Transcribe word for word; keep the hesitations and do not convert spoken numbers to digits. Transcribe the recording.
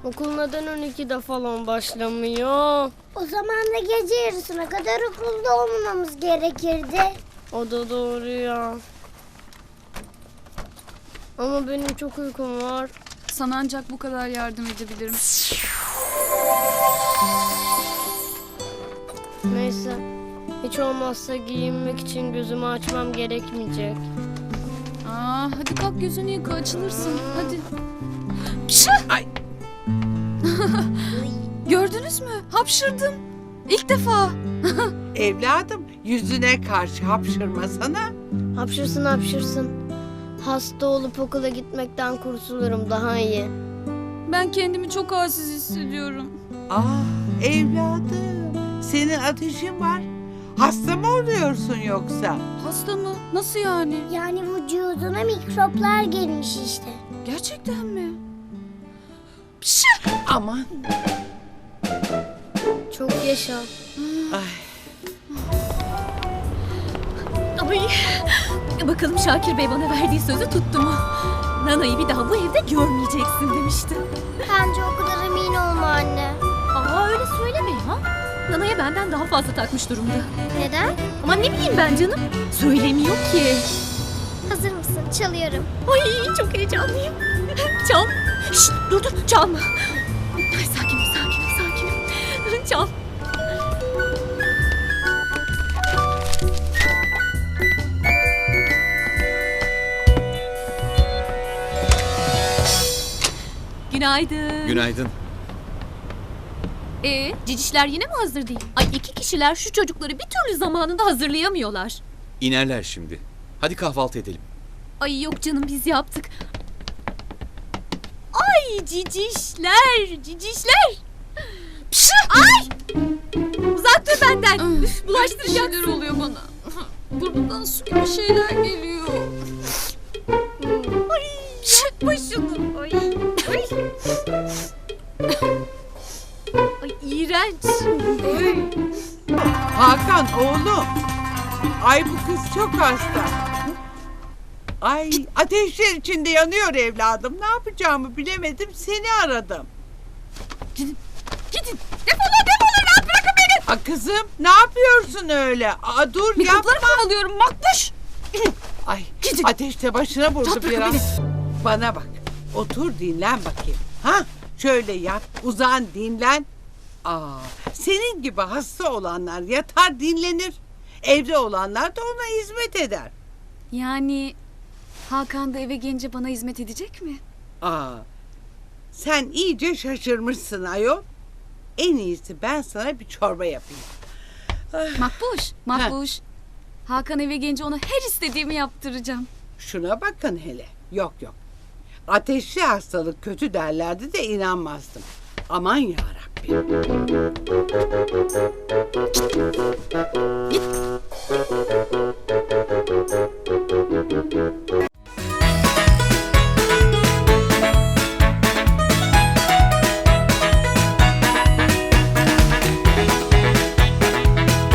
Okul neden on ikide falan başlamıyor? O zaman da gece yarısına kadar okulda olmamamız gerekirdi. O da doğru ya. Ama benim çok uykum var. Sana ancak bu kadar yardım edebilirim. Neyse. Hiç olmazsa giyinmek için gözümü açmam gerekmeyecek. Aa, hadi kalk gözünü yıka, açılırsın. Hadi. Ay. Gördünüz mü? Hapşırdım. İlk defa. Evladım, yüzüne karşı hapşırmasana. Hapşırsın hapşırsın. Hasta olup okula gitmekten kurtulurum daha iyi. Ben kendimi çok halsiz hissediyorum. Ah evladım, senin ateşin var. Hasta mı oluyorsun yoksa? Hasta mı? Nasıl yani? Yani vücuduna mikroplar gelmiş işte. Gerçekten mi? Aman. Çok yaşa. Ay. Ay, bakalım Şakir Bey bana verdiği sözü tuttu mu? Nana'yı bir daha bu evde görmeyeceksin demişti. Bence o kadar emin olma anne. Aa öyle söyleme ya. Nana'ya benden daha fazla takmış durumda. Neden? Ama ne bileyim ben canım. Söylemiyor ki. Hazır mısın? Çalıyorum. Ay çok heyecanlıyım. Çal. Şşt dur dur çalma. Ay sakinim sakinim sakinim. Çal. Günaydın. Günaydın. Ee, cicişler yine mi hazır değil? Ay iki kişiler şu çocukları bir türlü zamanında hazırlayamıyorlar. İnerler şimdi. Hadi kahvaltı edelim. Ay yok canım biz yaptık. Ay cicişler, cicişler. Pşı, ay! Uzak dur benden. Üf, bulaştıracaksın. Bir şeyler oluyor bana. Burnumdan su gibi şeyler geliyor. Ay, yapma şunu. Ay, ay. Ay iğrenç. Hakan oğlum. Ay bu kız çok hasta. Ay ateşler içinde yanıyor evladım. Ne yapacağımı bilemedim, seni aradım. Gidin. Defolun defolun rahat bırakın beni. A kızım ne yapıyorsun öyle? Aa, dur Mikropları yapma. kovalıyorum makbuş. Ay ateşte başına vurdu Rahat bırakın biraz. Bana bak. Otur dinlen bakayım. Ha? Şöyle yat, uzan, dinlen. Aa, senin gibi hasta olanlar yatar dinlenir. Evde olanlar da ona hizmet eder. Yani Hakan da eve gelince bana hizmet edecek mi? Aa, sen iyice şaşırmışsın ayol. En iyisi ben sana bir çorba yapayım. Makbuş, Makbuş. Hakan eve gelince ona her istediğimi yaptıracağım. Şuna bakın hele. Yok yok. Ateşli hastalık kötü derlerdi de inanmazdım. Aman yarabbim. Git.